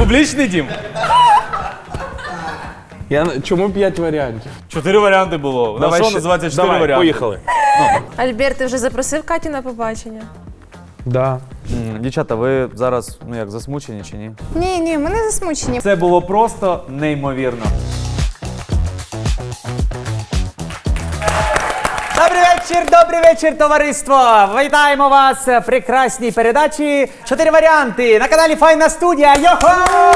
публічний дім? Чому 5 варіантів? 4 варіанти було. У нас шоу називається 4 варіанти. Поїхали. Альберт, ти вже запросив Катю на побачення? Да. Дівчата, ви зараз, засмучені чи ні? Ні, ми не засмучені. Це було просто неймовірно. Добрий вечір, товариство! Вітаємо вас в прекрасній передачі «4 варіанти» на каналі Файна студія. Йохо!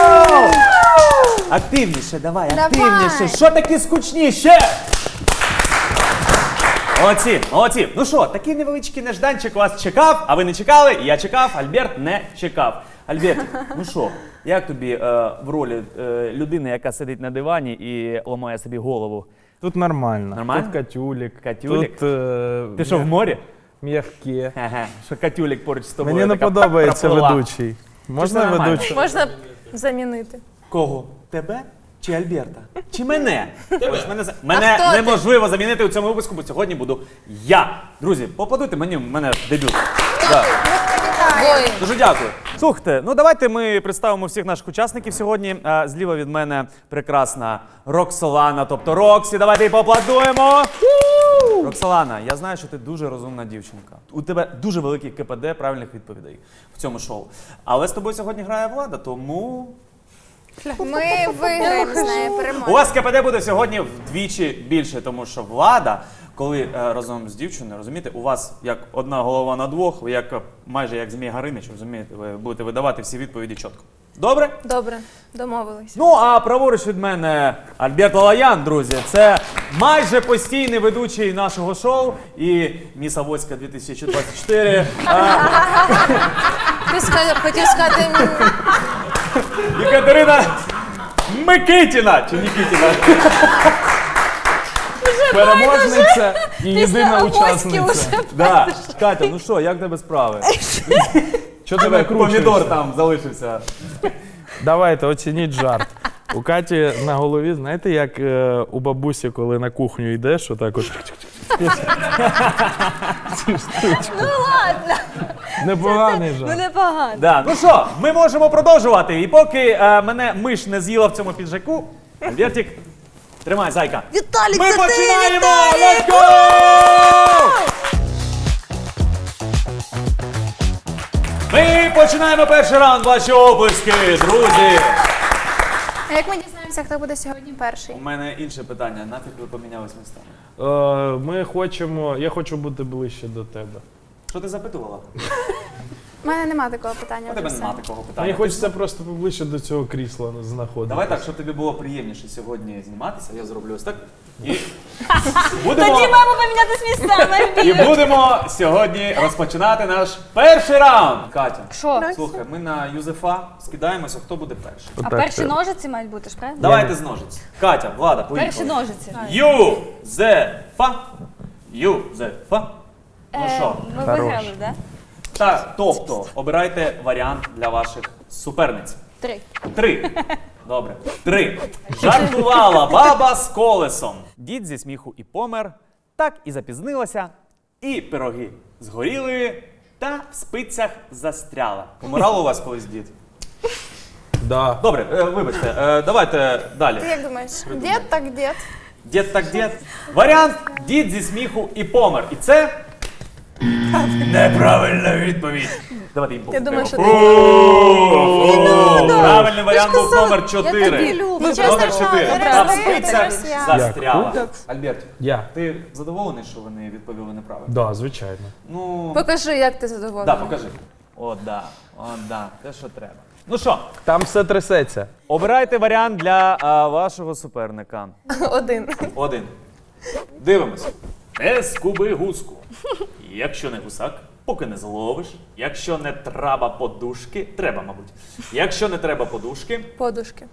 Активніше, давай, активніше. Що таке скучніше? Молодці. Ну що, такий невеличкий нежданчик вас чекав, а ви не чекали, я чекав, Альберт не чекав. Альберт, ну що, як тобі в ролі людини, яка сидить на дивані і ламає собі голову? Тут нормально. Нормально? Тут Катюлік. Катюлік? Тут, Ти що, в морі? М'яке. Ага, що Катюлік поруч з тобою. Мені не така подобається проплила. ведучий. Можна нормально? ведучий? Можна замінити. Кого? Тебе чи Альберта? Чи мене? Ось мене неможливо замінити у цьому випуску, бо сьогодні буду я. Друзі, поаплодуйте мені, в мене дебют. Да. Дуже дякую. Слухайте, ну давайте ми представимо всіх наших учасників сьогодні. Зліва від мене прекрасна Роксолана, тобто Роксі. Давайте їй поаплодуємо. Роксолана, я знаю, що ти дуже розумна дівчинка. У тебе дуже великий КПД правильних відповідей в цьому шоу. Але з тобою сьогодні грає Влада, тому... Ми виграємо з нею У перемогу. вас КПД буде сьогодні вдвічі більше, тому що Влада, коли разом з дівчиною, розумієте, у вас як одна голова на двох, ви майже як Змій Горинич, розумієте, ви будете видавати всі відповіді чітко. Добре? Добре, домовились. Ну, а праворуч від мене Альберт Лалаян, друзі. Це майже постійний ведучий нашого шоу і Міс Авоська 2024. Хотів сказати... Катерина Микитіна, чи Нікітіна? Переможниця і єдина учасниця. Да. Катя, ну що, як тебе справи? Чого ти накручуєшся? Помідор там залишився. Давайте, оцініть жарт. У Каті на голові, знаєте, як у бабусі, коли на кухню йдеш, отак от. Ну ладно. Непоганий жарт. Непогано. Да. Ну що, ми можемо продовжувати. І поки мене миш не з'їла в цьому піджаку, Альбертик, тримай, зайка. Віталік, Ми це ти, починаємо! Віталік! Let's go! Ми починаємо перший раунд. Ваші оплески, друзі. А як ми дізнаємося, хто буде сьогодні перший? У мене інше питання. Нафіг ви помінялись містами? Я хочу бути ближче до тебе. Що ти запитувала? У мене нема такого питання. У тебе вже нема все. такого питання. Мені хочеться просто поближче до цього крісла знаходитися. Давай так, щоб тобі було приємніше сьогодні зніматися, я зроблю ось так. І будемо, маємо помінятись місцями. і будемо сьогодні розпочинати наш перший раунд. Катя, Що? слухай, ми на Юзефа скидаємося, хто буде перший. А перші ножиці мають бути ж, правильно? Давайте з ножиць. Катя, Влада, поїхали. Перші ножиці. Юзефа. Юзефа. Ну що? Ми Хорош. виграли, так? Тобто, обирайте варіант для ваших суперниць. 3. 3. Добре. 3. Жартувала баба з колесом. Дід зі сміху і помер, так і запізнилася, і пироги згоріли, та в спицях застряла. Помирало у вас колись дід? Да. Добре, вибачте, давайте далі. Ти як думаєш? Дід так дід. Дід так дід. Варіант дід зі сміху і помер. І це неправильна відповідь. Давайте їм Я думаю, що ти... Правильний варіант був номер 4. тобі люблю. Номер 4. Добре, Та в добре, спицях добре, я. застряла. Альберт, Я. ти задоволений, що вони відповіли неправильно? Да, звичайно. Ну, Покажи, як ти задоволений. да, покажи. О, да, те, що треба. Ну що, Там все трясеться. обирайте варіант для вашого суперника. 1. 1. Дивимось. Не скуби гуску. Якщо не гусак, поки не зловиш. Якщо не треба подушки, треба, мабуть. Якщо не треба подушки, Подушки.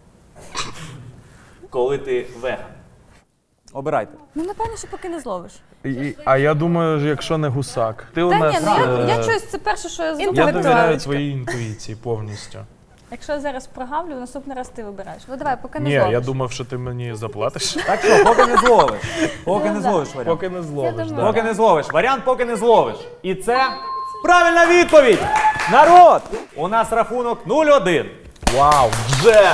коли ти веган. Обирайте. Ну, напевно, що поки не зловиш. А я думаю, якщо не гусак. Ти у Та нас. ні, ну я щось, це перше, що я Я зроблю. довіряю твоїй інтуїції повністю. Якщо я зараз прогавлю, наступний раз ти вибираєш. Ну давай, поки не Ні, зловиш. я думав, що ти мені заплатиш. Так що, поки не зловиш. Поки не зловиш варіант. Поки не зловиш, думаю, да. Поки не зловиш. Варіант поки не зловиш. І це правильна відповідь. Народ! У нас рахунок 0-1. Вау, вже!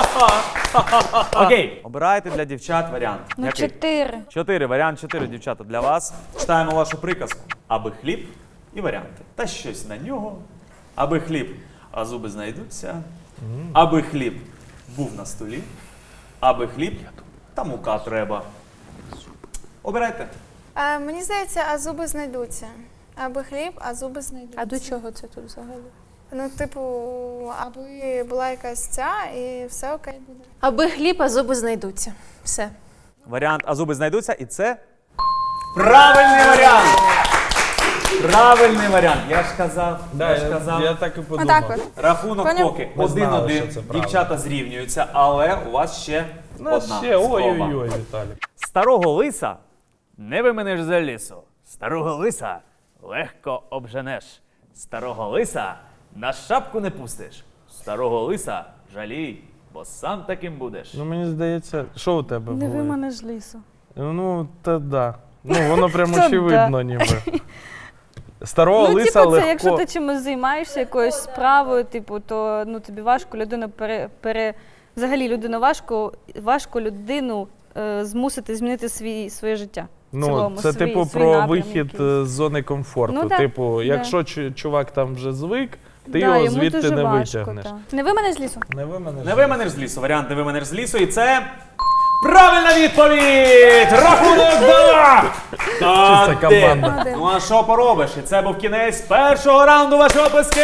Окей, обирайте для дівчат варіант. Ну, Який? 4. 4, варіант 4, дівчата, для вас. Читаємо вашу приказку. Аби хліб і варіанти. Та щось на нього. Аби хліб, а зуби знайдуться. Аби хліб був на столі. Аби хліб, та мука треба. Обирайте. Мені здається, а зуби знайдуться. Аби хліб, а зуби знайдуться. А до чого це тут взагалі? Ну, типу, аби була якась ця і все окей буде. Аби хліб, а зуби знайдуться. Все. Варіант «а зуби знайдуться» і це правильний варіант! Правильний варіант. Я ж казав, Да, я так і подумав. Отак от. Рахунок Поняв? поки Ми знали, що 1-1. це правда. Дівчата зрівнюються, але у вас ще Ну, одна ще, спроба. ой-ой-ой, Віталік. Старого лиса не виминеш за лісу. Старого лиса легко обженеш. Старого лиса на шапку не пустиш. Старого лиса жалій, бо сам таким будеш. Ну, мені здається, що у тебе Не було? виманеш з лісу. Ну, та да. Ну, воно прямо Та да. ніби. Старого Ну, лиса типу, це легко. якщо ти чимось займаєшся, якоюсь справою, типу, то ну, тобі важко людину взагалі людину важко людину змусити змінити своє життя. В Ну, цілому, це свій типу про напрям вихід якийсь. з зони комфорту. Ну, да, Типу, да. якщо чувак там вже звик, ти Да, його йому звідти дуже не важко, витягнеш. та. Не виманеш з лісу? Не виманеш. Не виманеш з лісу. Варіант не виманеш з лісу. І це правильна відповідь! Рахунок 2! Чиста команда. Ну а що поробиш? І це був кінець першого раунду. Ваші оплески!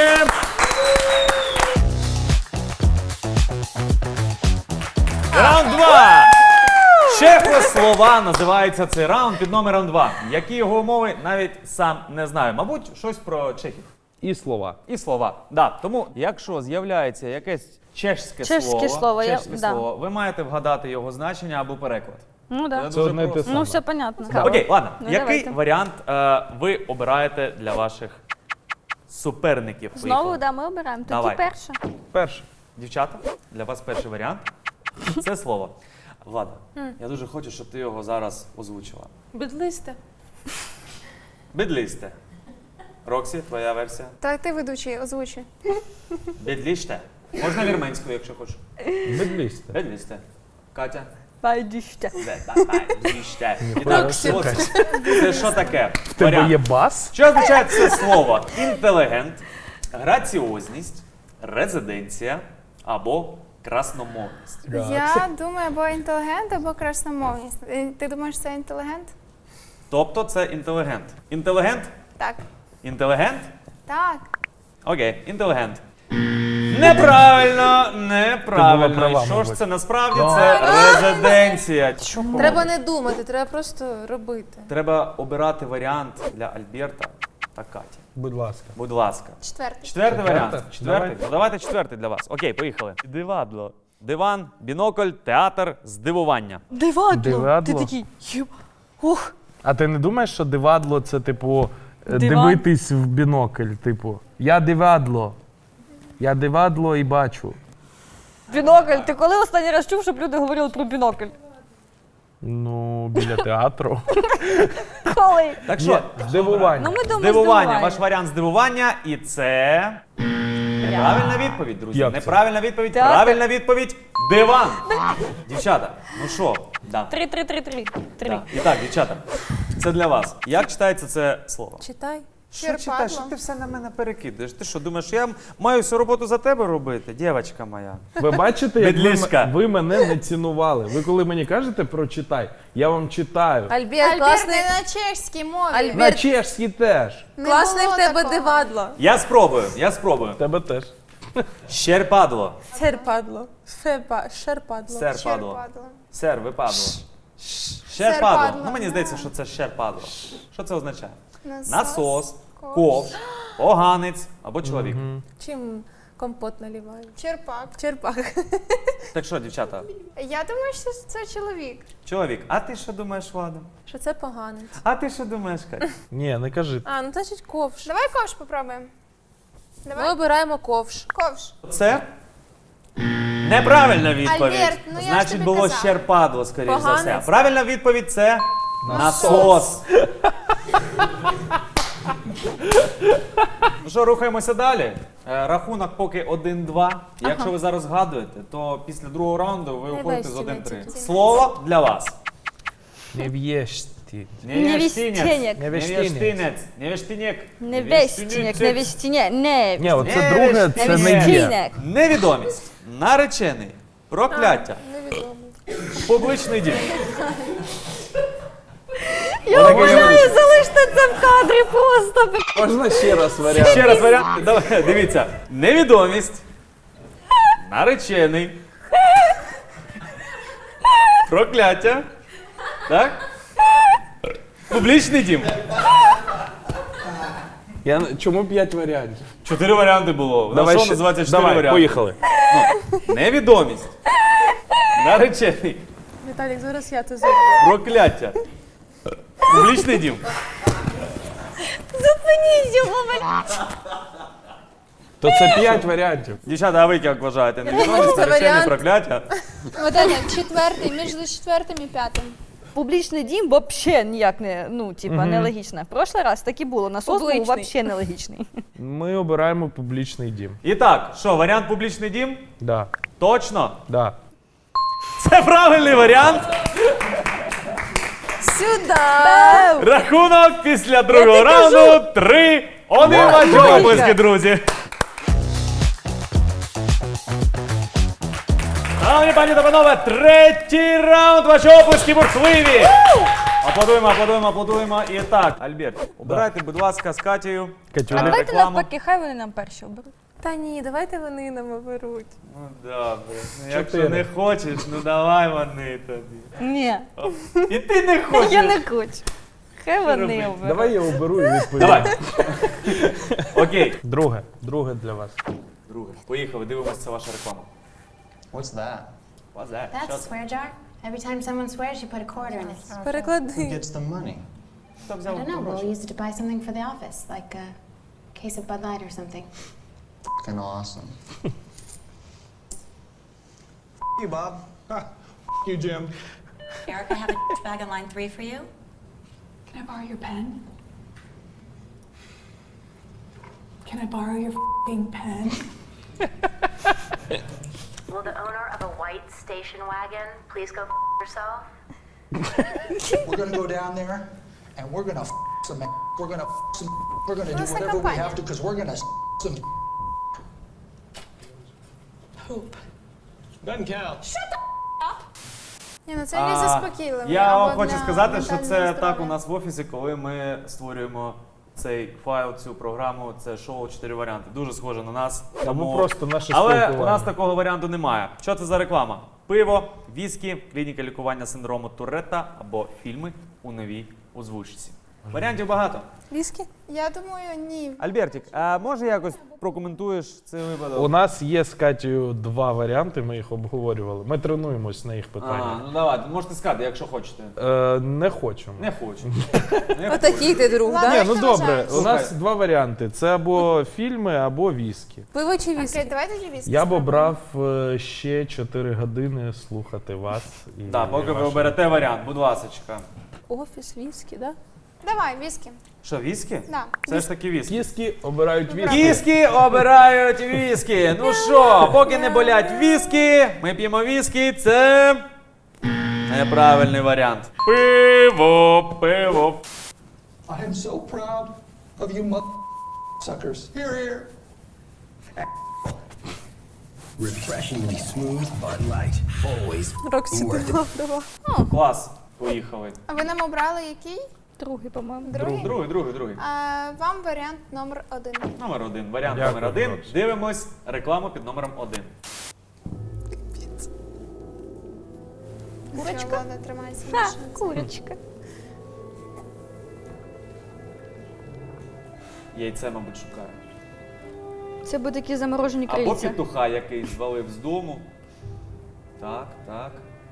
Раунд 2! Чехослова називається цей раунд під номером 2. Які його умови, навіть сам не знаю. Мабуть, щось про чехів. І слова. І слова. Да. Тому, якщо з'являється якесь чешське слово, да. ви маєте вгадати його значення або переклад. Ну Це так. Це дуже одне й те просто. саме. Ну, все понятно. Окей, ладно. Ну, Який давайте. варіант ви обираєте для ваших суперників? Знову, Поїхали. да, ми обираємо. Тоді Давай. перше. Перше. Дівчата, для вас перший варіант. Це слово. Влада, я дуже хочу, щоб ти його зараз озвучила. Бідлисте. Бідлісте. Роксі, твоя версія. Так, ти ведучий, озвучуй. Бідліште. Можна вірменською, якщо хочеш. Бедлісте. Бідлісте. Катя. Байдіще. Бідліште. І Ніхуя так, собі. це що таке? В тебе Варіант. є бас? Що означає це слово? Інтелігент, граціозність, резиденція або красномовність. Я думаю, або інтелігент, або красномовність. Ти думаєш, це інтелігент? Тобто це інтелігент. Інтелігент? Так. Інтелігент? Так. Окей, інтелігент. Неправильно, Ти була неправильно. права, Що ж мабуть. це насправді? Це резиденція. Треба не думати, треба просто робити. Треба обирати варіант для Альберта та Каті. Будь ласка. Будь ласка. Четвертий. Четвертий варіант. Четвертий? Четвертий. Давай. Ну, давайте четвертий для вас. Окей, поїхали. Дивадло. Диван, бінокль, театр, здивування. Дивадло. Дивадло? Ти такий, ух. А ти не думаєш, що дивадло це, типу, Диван? дивитись в бінокль? Типу, я дивадло. Я дивадло і бачу. Бінокль. Ти коли останній раз чув, щоб люди говорили про бінокль? Ну, біля театру. Коли? Так що, Здивування. Ну, ми думаємо здивування. Ваш варіант здивування, і це правильна відповідь, друзі. Як це? Неправильна відповідь, Театр. правильна відповідь. Диван. Дівчата, ну що? Да. 3-3-3-3. Да. І так, дівчата, це для вас. Як читається це слово? Читай. Що читаєш? Що Черпадло. ти все на мене перекидаєш? Ти що, думаєш, я маю всю роботу за тебе робити, дівчинка моя? Ви бачите, як Бедлішка. ви мене не цінували. Ви коли мені кажете прочитай, я вам читаю. Альберт, Альберт, класний, не на чешській мові. Альберт. На чешській теж. Не класний було в тебе такого. дивадло. Я спробую. Тебе теж. Щерпадло. Серпадло. Шерпадло. Серпадло. Черпадло. Сер, випадло. Серпадло. Щерпадло. Ну мені здається, що це щерпадло. Що це означає? Насос, ковш, поганець або чоловік. Чим компот наливають? Черпак. Черпак. Так що, дівчата, Я думаю, що це чоловік. чоловік, а ти що думаєш, Влада? Що це поганець? А ти що думаєш, Катя? Ні, не кажи. А, ну значить ковш. Давай ковш попробуємо. Ми Давай. обираємо ковш. Ковш. Це неправильна відповідь. Альберт, ну я ж Значить, тобі було казала. щерпадло, скоріш за все. Поганець. Правильна відповідь це насос. Ну що, рухаємося далі. Рахунок поки 1-2. Якщо ви зараз згадуєте, то після другого раунду ви уходите з 1-3. Слово для вас. Невєшті. Невістінєк. Невіштинець. Невіштинєк. Невестінєк, невістінєк, не. Ні, оце друге, це не є. Невістінєк. Невідомість. Наречений. Прокляття. Невідомий. Публічний дім. Я умоляю, залиште це в кадрі просто. Можна ще раз варіант? Ще раз варіант. Давай, дивіться. Невідомість. Наречений. Прокляття. Так? Публічний дім. Чому 5 варіантів? 4 варіанти було. На що називається 4 давай, варіанти? поїхали. Невідомість. Наречений. Віталік, зараз я це зроблю. Прокляття. Публічний дім. Зупиніть його, блядь. То це 5 варіантів. Дівчата, а ви як вважаєте? Невідомість, Це наречений, варіант. прокляття? Вот это, четвертий, між четвертим і п'ятим. Публічний дім взагалі ніяк не, ну, типа, нелогічно. В прошлий раз так і було, на соску Публичний. взагалі нелогічний. Ми обираємо публічний дім. І так, що, варіант публічний дім? Да, Точно. да. Це правильний варіант. Сюди! Рахунок після другого раунду 3-1. Ваші оплески, друзі. Шановні пані та панове, третій раунд. Ваші оплески бурхливі. Аплодуємо, аплодуємо, аплодуємо. І так, Альберт, обирайте, будь ласка, з Катєю. Катюля. Давайте рекламу. навпаки, хай вони нам перші оберуть. Та ні, давайте вони нам оберуть. Ну добре. Ну, якщо 4. не хочеш, ну давай вони тобі. Ні, І ти не хочеш. я не хочу. Хай вони робити? оберуть. Давай я оберу і відповім. Давай. Окей. Друге для вас. Друге. Поїхали, дивимося, це ваша реклама. What's that? What's that? That's a swear jar. Every time someone swears, you put a quarter in it. Who Переклади. gets the money? Хто I взяв don't know. We'll гроші? use it to buy something for the office, like a case of Bud Light or something. Fucking awesome. You, Bob. You, Jim. Eric, I have a bag on line 3 for you. Can I borrow your pen? Can I borrow your f***ing pen? Will the owner of a white station wagon please go yourself? We're gonna go down there and we're gonna some. We're gonna some. We're gonna do Власна whatever we компанія. have to because we're gonna some. Hoop. Doesn't count. Ні, ну це не заспокійливо. Я вам хочу сказати, що це так у нас в офісі, коли ми створюємо цей файл, цю програму, це шоу 4 варіанти. Дуже схоже на нас. Тому просто наше Але спілкування. у нас такого варіанту немає. Що це за реклама? Пиво, віскі, клініка лікування синдрому Туретта або фільми у новій озвучці. Варіантів багато. Віскі? Я думаю, ні. Альбертик, а може якось прокоментуєш цей випадок? У нас є з Катєю 2 варіанти, ми їх обговорювали. Ми тренуємось на їх А, питаннях. ну давайте, можете сказати, якщо хочете. Не хочемо. Не хочу. Отакий ти друг, Ладно. да? Ні, ну добре, вважаєш? у нас 2 варіанти. Це або фільми, або віскі. Пиво чи віскі? Окей, давайте тоді Я б обрав ще 4 години слухати вас. І Так, поки ви ваші- оберете варіант, будь ласочка. Офіс, віскі, да? Давай, віскі. Що, віскі? Да. Це ж таки віскі. Кіски обирають віскі. Кіски обирають віскі. Ну що, поки не болять віскі, ми п'ємо віскі. Це неправильний варіант. Пиво, пиво. I am so proud of you, suckers. Here, here. Refreshingly smooth Bud Light. Always Роксі worth it. Клас. Поїхали. А ви нам обрали який? Другий, по-моєму. Другий? Другий. Вам варіант номер 1. Номер 1. Варіант Дякую, номер 1. Роксі. Дивимось рекламу під номером 1. Курочка? Ладно, тримайся. Ха, Маша. курочка. Яйце, мабуть, шукаю. Це будуть такі заморожені Або крильця. петуха, який звалив з дому. Так, так.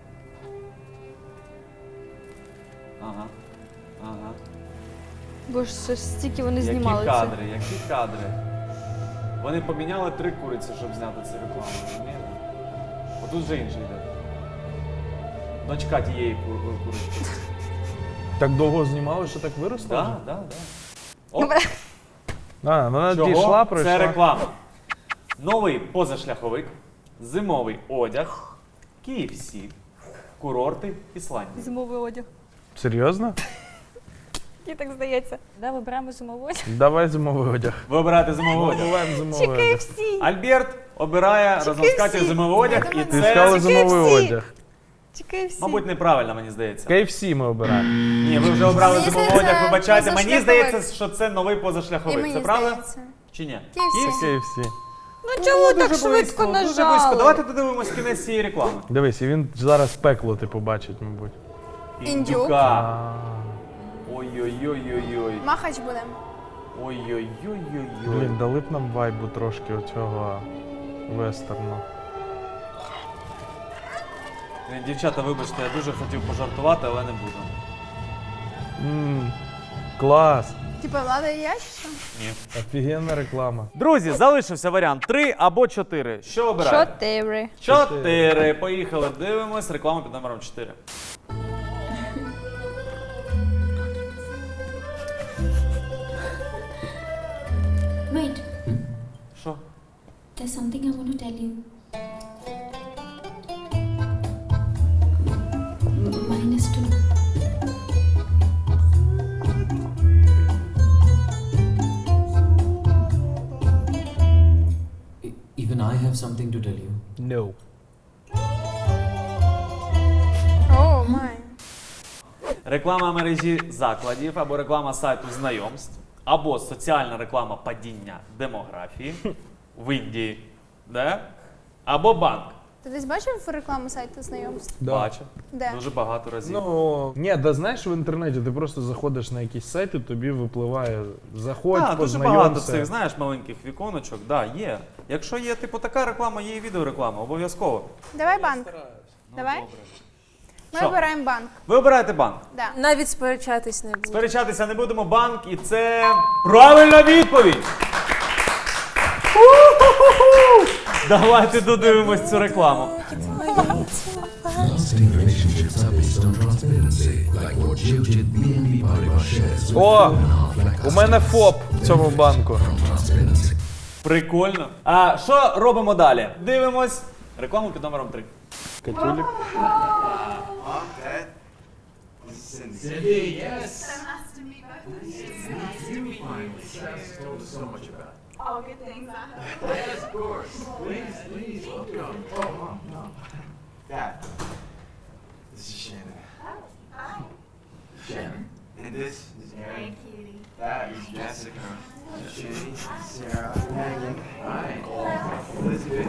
Ага. Ага. Бо ж це ж стільки вони Які знімали це. кадри, які кадри. Вони поміняли 3 куриці, щоб зняти цю рекламу. розумієте? Отут вже інший йде. Дочка тієї курочки. Так довго знімали, що так виросло? Так, вже? так, так. А, вона Чого? дійшла, пройшла. Це реклама. Новий позашляховик, зимовий одяг, KFC, курорти Ісландії. Зимовий одяг. Серйозно? Мені так здається. Да, вибираємо зимовий одяг. Давай зимовий одяг. Ви обираєте зимовий одяг. Вибираємо зимовий одяг. KFC. Альберт обирає разом з Катєю зимовий одяг, і Ти це, сказала зимовий одяг. KFC. мабуть, неправильно, мені здається. KFC ми обираємо. Ні, ви вже обрали Мені зимовий здається, одяг, вибачайте. Мені позашляховик. здається, що це новий І позашляховик. мені Це правда? здається. Чи ні? KFC. KFC. Ну чому так Дуже швидко близько, дуже близько. нажали? Давайте додивимось кінець цієї реклами. Дивись, і він зараз пекло ти побачить, мабуть. Індюка. Ой-ой-ой-ой-ой. Махач будемо. Ой-ой-ой-ой-ой. Блін, дали б нам вайбу трошки оцього вестерну. Дівчата, вибачте, я дуже хотів пожартувати, але не буду. Клас! Типа Влада і я чи що? Ні. Офігенна реклама. Друзі, залишився варіант 3 або 4. Що обираєте? 4. 4. Поїхали, дивимось. Реклама під номером 4. Wait, Що? there's something I want to tell you. -2. Even I have something to tell you. No. О, май. Реклама мережі закладів або реклама сайту знайомств, або соціальна реклама падіння демографії в Індії, да? Або банк. Ти десь бачив рекламу сайту знайомств? Да. Бачу. Де? Дуже багато разів. Ну, ні, да знаєш, в інтернеті ти просто заходиш на якісь сайти, тобі випливає заходь, Так, дуже багато познайомся. цих, знаєш, маленьких віконочок. Да, є. Якщо є типу така реклама, є і відеореклама, обов'язково. Давай банк. Давай? Ми Що? обираємо банк. Ви обираєте банк. Да. Навіть сперечатись не буду. Сперечатися не будемо, банк, і це правильна відповідь! Давайте додивимось цю рекламу. Lasting relationships are based on transparency, like what Jill did BNB Paribas shares. О, у мене ФОП в цьому банку. Transparency. Прикольно. А що робимо далі? Дивимось рекламу під номером 3. Катюлік. Dad, this is Shannon. Shannon. And this is Aaron. That is Jessica. Shane, Sarah, Megan. Hi. Elizabeth.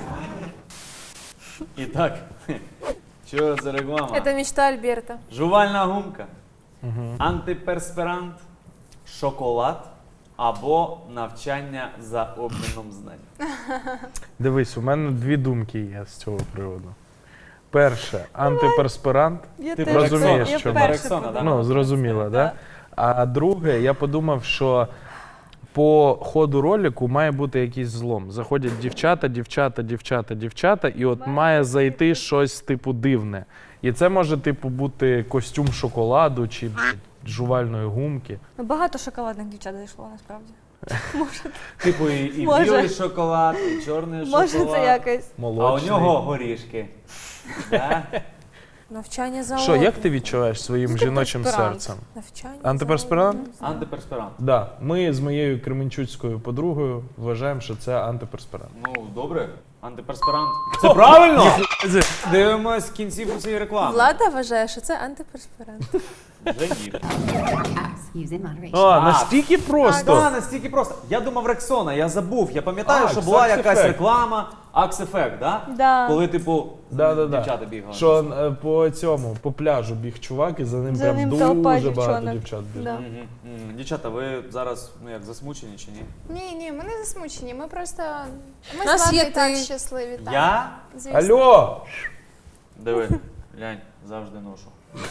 І так, що за реклама? Це мечта Альберта. Жувальна гумка, антиперспірант, шоколад або навчання за обміном знань. Дивись, у мене дві думки є з цього приводу. Перше, антиперспірант. Ти розумієш, Рексона, чому? Рексона, да? Ну, зрозуміло, да? А друге, я подумав, що по ходу ролику має бути якийсь злом. Заходять дівчата, і от має зайти щось типу дивне. І це може типу бути костюм шоколаду чи жувальної гумки. Ну, багато шоколадних дівчат зайшло, насправді. Типу і Може. білий шоколад, і чорний шоколад. Може це якось. А у Молочний. нього горішки. Да? Навчання за Що, як ти відчуваєш своїм жіночим Антиперспірант. серцем? Навчання. Антиперспірант? Антиперспірант. Да. Ми з моєю кременчуцькою подругою вважаємо, що це антиперспірант. Ну, добре. Антиперспірант. Це правильно? Дивимось кінцівку цієї реклами. Влада вважає, що це антиперспірант. Вже ні. Use in moderation. О, настільки просто. Так, настільки просто. Я думав Рексона, я забув. Я пам'ятаю, А, що була Axe якась Effect. реклама Axe Effect, да? Да. Коли, типу, Да. дівчата бігали. Що по цьому, по пляжу біг чувак, і за ним За прям ним дуже толпа багато дівчонок. дівчат бігло. Да. Дівчата, ви зараз як засмучені чи ні? Ні, ми не засмучені. Ми просто. Ми Нас з Владою є і так ти. щасливі. Так. Я? Звісно. Алло! Диви, глянь, завжди ношу.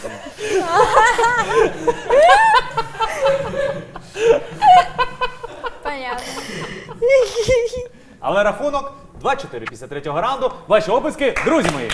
Понятно. Але рахунок 2-4 після третього раунду. Ваші описки, друзі мої.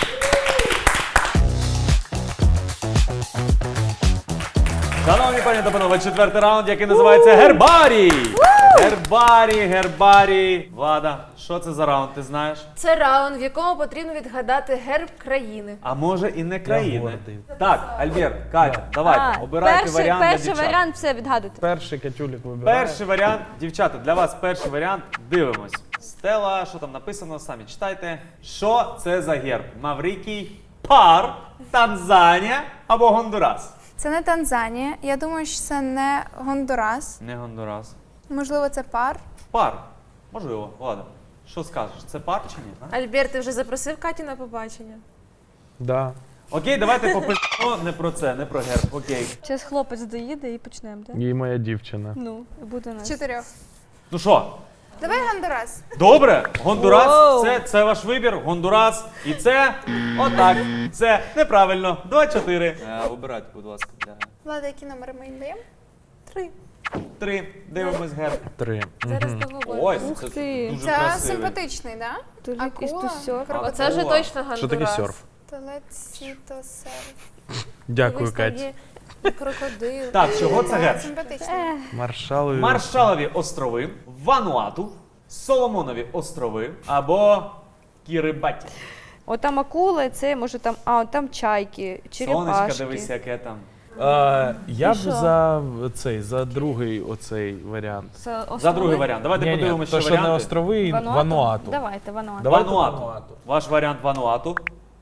Шановні пані та панове, четвертий раунд, який називається Гербарій. Гербарій. Влада, що це за раунд, ти знаєш? Це раунд, в якому потрібно відгадати герб країни. А може і не країни. гордий. Так, Альберт, Катя, давайте, обирайте варіант для перший дівчат. варіант все відгадуйте. Перший Катюлік вибирає. Перший варіант, дівчата, для вас перший варіант. Дивимось. Стела, що там написано, самі читайте. Що це за герб? Маврикій, Пар, Танзанія або Гондурас? Це не Танзанія. Я думаю, що це не Гондурас. Не Гондурас. Можливо, це пар. Пар. Можливо, Влада. Що скажеш? Це пар чи ні? А? Альберт, ти вже запросив Катю на побачення? Да. Окей, давайте попишемо не про це, не про герб. Окей. Зараз хлопець доїде і почнемо, так? І моя дівчина. Ну, і буде у нас. 4. Ну що, Давай Гондурас. добре? Гондурас, Воу. це ваш вибір. Гондурас. І це отак. Це неправильно. 2-4. Обирайте, будь ласка. Влада, які номери ми їм даємо? 3. 3. Дивимось герб. 3. Зараз договоримо. Ой, Ух це ти. дуже Це красивий. симпатичний, так? Тут Да? якийсь Акула, тусьор. Оце вже Акула. точно Гондурас. Що таке серф? Телецітосерф. Дякую, Дивись, там Кать. є крокодил. Так, чого це герб? Симпатичний. Маршалові. Маршалові острови, Вануату, Соломонові острови або Кірибаті. От там акули, це може там, от там чайки, черепашки. Сонечка, дивись, яке там. Я б що? за другий оцей варіант. Це острови? За другий варіант. Давайте Ні-ні, подивимося, то, що що не варіанти. острови, Вануату. Давайте, Вануату. Давайте Вануату. Ваш варіант Вануату.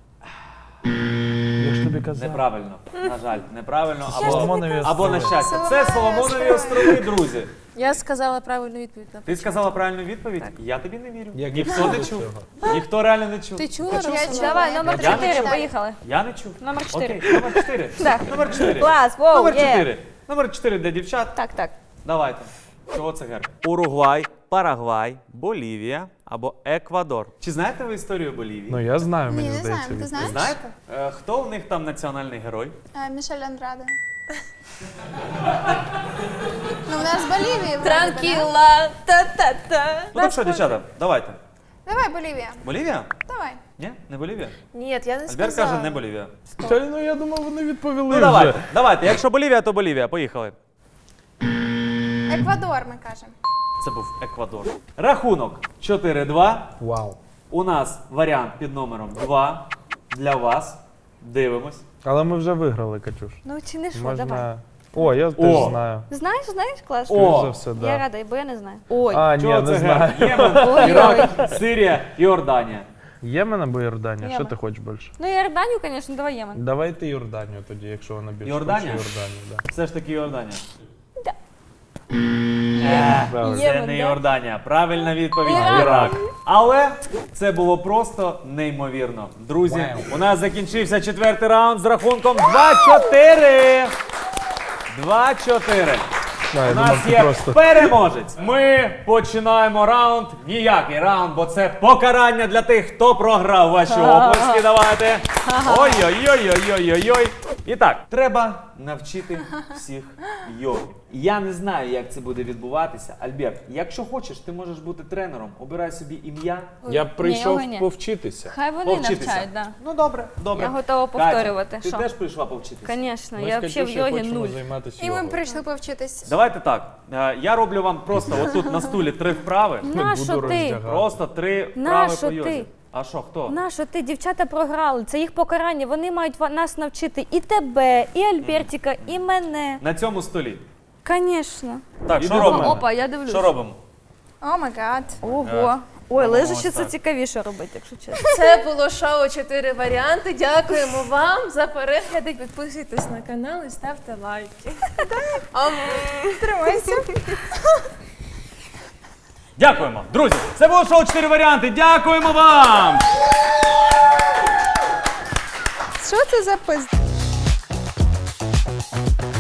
Я ж тобі казав. Неправильно. На жаль, неправильно. Соломонові Або на острови. щастя. Це Соломонові острови, друзі. Я сказала правильну відповідь. Ти сказала правильну відповідь? Я тобі не вірю. Як Ніхто не чув. Ніхто реально не чув. Ти чула, Я Руслан? чула. Давай, номер Я не 4, чув. поїхали. Я не чув. Номер 4. Окей, номер 4. Так. Номер 4. Клас, воу, Номер є. 4. Номер 4 для дівчат. Так. Давайте. Чого це герб? Уругвай, Парагвай, Болівія або Еквадор. Чи знаєте ви історію Болівії? Ну я знаю, Ні, мені не здається. знаємо. Ти знаєш? Знаєте? Хто у них там національний герой? Мішель Андраде. Ну, в нас Болівії. вроде би, да? Транкіла, та-та-та. Ну так що, дівчата, давайте. Давай, Болівія. Болівія? Давай. Ні? Не Болівія? Ні, я не Альберт сказала. каже, не Болівія. Ну я думав, вони відповіли Ну вже. давайте. Якщо Болівія, то Болівія. Поїхали. Еквадор, ми кажемо. Це був Еквадор. Рахунок 4-2. Вау. У нас варіант під номером 2 для вас. Дивимось. Але ми вже виграли, Катюш. Ну чи не що, давай. Можна... О, я теж О. знаю. Знаєш, клас? Скоріш за все, Я да. рада, бо я не знаю. Ой. А, ні, Чого не це знаю. герб? Ємен, Ірак, Сирія, Йорданія. Ємен або Йорданія? Що Ємен. ти хочеш більше? Ну, Йорданію, звісно, давай Ємен. Давайте Йорданію тоді, якщо вона більше Йорданія? хоче Йорданію. Да. Все ж таки Йорданія. Да. Правильно. Це Ємен, не да? Йорданія. Правильна відповідь Ірак. Ірак. Але це було просто неймовірно. Друзі, у нас закінчився 4-й раунд з рахунком 2-4. 2-4. Да, я У думав, нас ти є просто... переможець. Ми починаємо раунд. Ніякий раунд, бо це покарання для тих, хто програв. Ваші оплески давайте. Ой-ой-ой-ой-ой-ой. І так, треба навчити всіх йоги. Я не знаю, як це буде відбуватися. Альберт, якщо хочеш, ти можеш бути тренером. Обирай собі ім'я. Я б прийшов ні. повчитися. Хай вони Повчитися. навчають, да. Ну добре, добре. Я готова Катя, повторювати. ти Що? теж прийшла повчитися? Звісно, Ми я з взагалі в Катюшею йогі хочемо 0. займатися І ми йогою. прийшли повчитись. Давайте так. Я роблю вам просто отут на столі 3 вправи. Нащо Буду ти? роздягати. Просто 3 вправи Нащо по йозі. ти? А що, хто? Нащо ти? Дівчата програли. Це їх покарання. Вони мають нас навчити і тебе, і Альбертіка, і мене. На цьому столі. Звісно. Так, що Іди до робимо? мене. Опа, я дивлюсь. Що робимо? О май гад. Ого. Ой, Ну, лежачи ось це так. цікавіше робити, якщо чесно. Це було шоу 4 варіанти. Дякуємо вам за перегляди. Підписуйтесь на канал і ставте лайки. Тримайся. Дякуємо. Друзі, це було шоу 4 варіанти. Дякуємо вам! Що це за пизд?